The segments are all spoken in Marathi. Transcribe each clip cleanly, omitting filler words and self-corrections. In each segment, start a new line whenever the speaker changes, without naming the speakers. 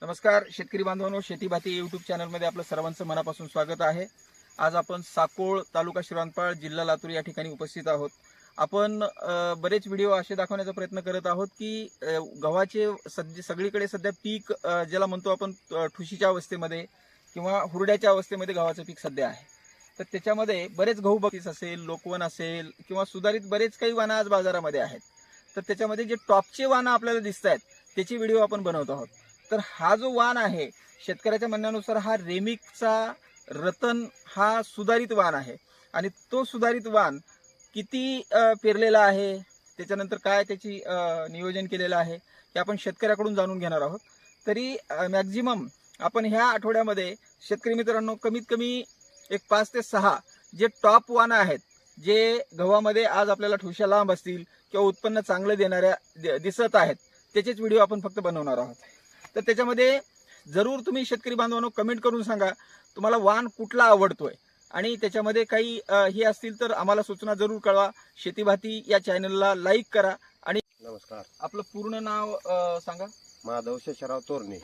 नमस्कार शेतकरी बांधवांनो, शेती भाती यूट्यूब चॅनलमध्ये आपलं सर्वांचं मनापासून स्वागत आहे। आज आपण साकोळ तालुका शिरांपाळ जिल्हा लातूर या ठिकाणी उपस्थित आहोत। आपण बरेच व्हिडिओ असे दाखवण्याचा प्रयत्न करत आहोत की गव्हाचे सगळीकडे सध्या पीक ज्याला म्हणतो आपण ठुशीच्या अवस्थेमध्ये किंवा हुरड्याच्या अवस्थेमध्ये गव्हाचं पीक सध्या आहे। तर त्याच्यामध्ये बरेच गहू बक्षीस असेल, लोकवन असेल किंवा सुधारित बरेच काही वाण आज बाजारामध्ये आहेत। तर त्याच्यामध्ये जे टॉपचे वाण आपल्याला दिसतात त्याची व्हिडिओ आपण बनवत आहोत। तर हा जो वाण आहे शेतकऱ्याच्या म्हणण्यानुसार हा रेमिकचा रतन हा सुधारित वाण आहे आणि तो सुधारित वाण किती पेरलेला आहे, त्याच्यानंतर काय त्याची नियोजन केलेलं आहे हे आपण शेतकऱ्याकडून जाणून घेणार आहोत। तरी मॅक्झिमम आपण ह्या आठवड्यामध्ये शेतकरी मित्रांनो कमीत कमी एक 5 ते 6 जे टॉप वाण आहेत, जे गव्हामध्ये आज आपल्याला ठुशा लांब असतील किंवा उत्पन्न चांगलं देणाऱ्या दिसत आहेत, त्याचेच व्हिडिओ आपण फक्त बनवणार आहोत। तर त्याच्यामध्ये जरूर तुम्ही शेतकरी बांधवांनो कमेंट करून सांगा तुम्हाला वाण कुठला आवडतोय आणि त्याच्यामध्ये काही हे असतील तर आम्हाला सूचना जरूर कळवा। शेती भाती या चॅनलला लाईक करा आणि
नमस्कार,
आपलं पूर्ण नाव सांगा।
माधव शेषराव तोरणे,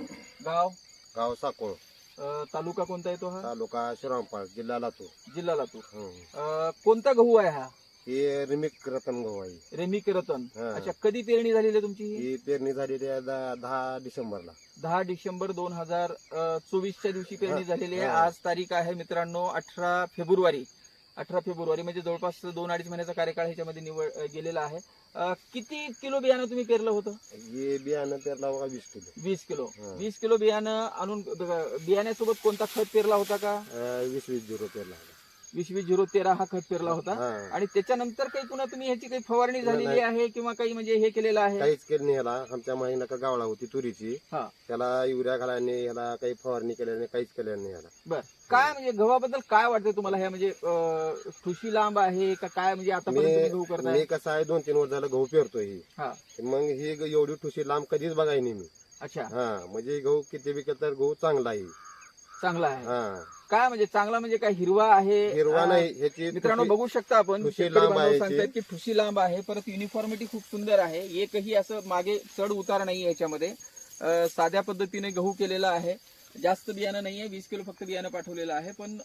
गाव
साकोळ,
तालुका कोणता येतो हा?
तालुका शिरांपाळ, जिल्हा लातूर।
जिल्हा लातूर। कोणता गहू आहे हा?
हे रिमिक रतन गहू आहे।
रेमिक रतन।
हा.
अच्छा, कधी पेरणी झालेली आहे तुमची?
ही पेरणी झालेली आहे 10 डिसेंबरला।
10 डिसेंबर 2024च्या दिवशी पेरणी झालेली आहे।
हा.
आज तारीख आहे मित्रांनो 18 फेब्रुवारी। 18 फेब्रुवारी म्हणजे जवळपास 2-2.5 महिन्याचा कार्यकाळ ह्याच्यामध्ये निवड गेलेला आहे। किती किलो बियाणं तुम्ही पेरलं होतं?
हे बियाणं पेरला बघा 20 किलो।
20 किलो।
हा.
20 किलो बियाणं आणून बियाण्यासोबत कोणता खत पेरला होता का?
20-20 पेरला होता।
20-20-0-13 हा खत पेरला होता।
हा.
आणि त्याच्यानंतर काही पुन्हा तुम्ही ह्याची काही फवारणी झालेली
नाही.
आहे किंवा काही म्हणजे हे केलेलं आहे?
काहीच केलं नाही याला। आमच्या माहीला का गावळा होती तुरीची,
हा.
त्याला युरिया घालाने याला काही फवारणी केल्याने नाही, काहीच केलं नाही याला।
बर, काय म्हणजे गव्हाबद्दल काय वाटतंय तुम्हाला? हे म्हणजे ठुशी लांब आहे का काय, म्हणजे आतापर्यंत तुम्ही गहू करताय?
मी कसं आहे 2-3 वर्ष झालं गहू पेरतोय ही।
हा.
मग ही एवढी ठुशी लांब कधीच बघाय नाही मी।
अच्छा,
हा, म्हणजे गहू किती बी केलं तर गहू चांगला आहे।
चांगला आहे।
हा,
काय म्हणजे चांगला म्हणजे काय हिरवा आहे?
हिरवा नाही, ह्याची
मित्रांनो बघू शकता आपण
ठुशी
शेतकरी
लांब
बांधव
आहे
सांगतायत
याची.
की ठुशी लांब आहे, परत युनिफॉर्मिटी खूप सुंदर आहे, एकही असं मागे चढ उतार नाही याच्यामध्ये। साध्या पद्धतीने गहू केलेला आहे, जास्त बियाणं नाहीये, 20 किलो फक्त बियाणं पाठवलेलं आहे। पण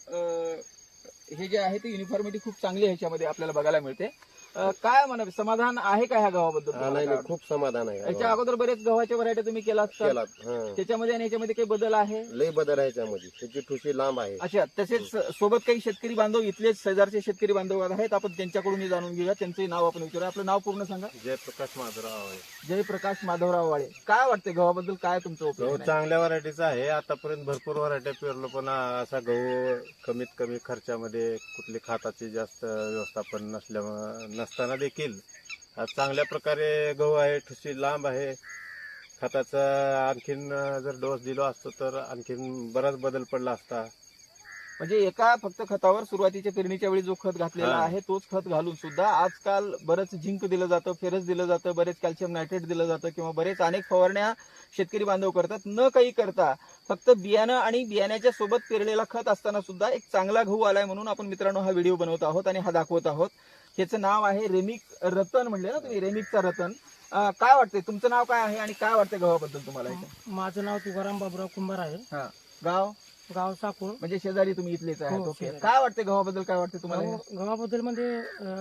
हे जे आहे ते युनिफॉर्मिटी खूप चांगली ह्याच्यामध्ये आपल्याला बघायला मिळते। काय म्हणा, समाधान आहे का ह्या गव्हाबद्दल?
हा, नाही नाही, खूप समाधान आहे
याच्या अगोदर बरेच गव्हाच्या व्हरायटी तुम्ही केलात का?
केला। हा,
त्याच्यामध्ये आणि याच्यामध्ये काही बदल आहे?
लय बदल आहे त्यामध्ये, त्याची ठुशी लांब आहे।
अच्छा, तसेच सोबत काही शेतकरी बांधव इथलेच शेजारचे शेतकरी बांधव आहेत, आपण त्यांच्याकडून जाणून घेऊया। त्यांचे नाव आपण विचारूया। आपलं नाव पूर्ण सांगा।
जयप्रकाश माधवराव आहे।
जयप्रकाश माधवराव वाळे। काय वाटते गव्हाबद्दल, काय तुमचं
गहू
ओपिनियन आहे?
चांगल्या व्हरायटीचा आहे। आतापर्यंत भरपूर व्हरायट्या पेरलो, पण असा गहू कमीत कमी खर्चामध्ये कुठली खताची जास्त व्यवस्थापन नसताना देखील हा चांगल्या प्रकारे गहू आहे। ठुशी लांब आहे। खताचा आणखीन जर डोस दिलो असतो तर आणखीन बराच बदल पडला असता।
म्हणजे एका फक्त खतावर सुरुवातीच्या पेरणीच्या वेळी जो खत घातलेला
हा.
आहे तोच खत घालून सुद्धा आजकाल बरंच झिंक दिलं जातं, फेरस दिलं जातं, बरेच कॅल्शियम नायट्रेट दिलं जातं किंवा बरेच अनेक फवारण्या शेतकरी बांधव करतात। न काही करता फक्त बियाणं आणि बियाण्याच्या सोबत पेरलेला खत असताना सुद्धा एक चांगला गहू आलाय म्हणून आपण मित्रांनो हा व्हिडिओ बनवत आहोत आणि हा दाखवत आहोत। ह्याचं नाव आहे रेमिक रतन, म्हणले ना तुम्ही, रेमिकचा रतन। काय वाटतंय, तुमचं नाव काय आहे आणि काय वाटतंय गव्हाबद्दल तुम्हाला?
माझं नाव तुकाराम बाबूराव कुंभार आहे।
हा. गाव
साकोळ,
म्हणजे शेजारी तुम्ही इथलेच आहेत?
हो,
ओके,
शेजारी.
काय वाटते गव्हाबद्दल, काय वाटते तुम्हाला?
गव्हाबद्दल म्हणजे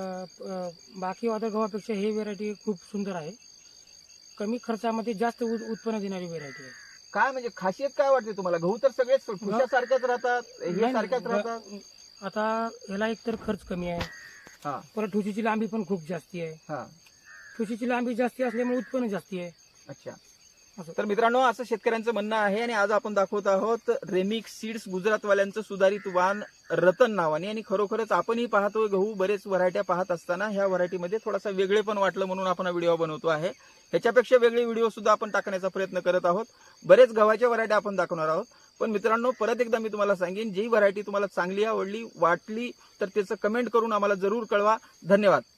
बाकी वादळ गव्हापेक्षा ही व्हेरायटी खूप सुंदर आहे। कमी खर्चामध्ये जास्त उत्पन्न देणारी व्हेरायटी आहे।
काय म्हणजे खासियत काय वाटते तुम्हाला? गहू तर सगळेच सारख्याच राहतात, हे
नाही,
सारख्याच
नाही,
राहतात।
आता ह्याला एकतर खर्च कमी आहे,
हा.
परत ठुशीची लांबी पण खूप जास्ती आहे।
हा.
ठुशीची लांबी जास्ती असल्यामुळे उत्पन्न जास्ती आहे।
अच्छा,
असं.
तर मित्रांनो असं शेतकऱ्यांचं म्हणणं आहे आणि आज आपण दाखवत आहोत रेमिक सीड्स गुजरातवाल्यांचं सुधारित वाण रतन नावाने। आणि खरोखरच आपणही पाहतोय गहू बरेच व्हरायट्या पाहत असताना ह्या व्हरायटीमध्ये थोडासा वेगळे पण वाटलं म्हणून आपण हा व्हिडिओ बनवतो आहे। ह्याच्यापेक्षा वेगळे व्हिडिओ सुद्धा आपण टाकण्याचा प्रयत्न करत आहोत। बरेच गव्हाच्या व्हरायट्या आपण दाखवणार आहोत। पण मित्रांनो परत एकदा मी तुम्हाला सांगेन, जी व्हरायटी तुम्हाला चांगली आवडली वाटली तर त्याचं कमेंट करून आम्हाला जरूर कळवा। धन्यवाद।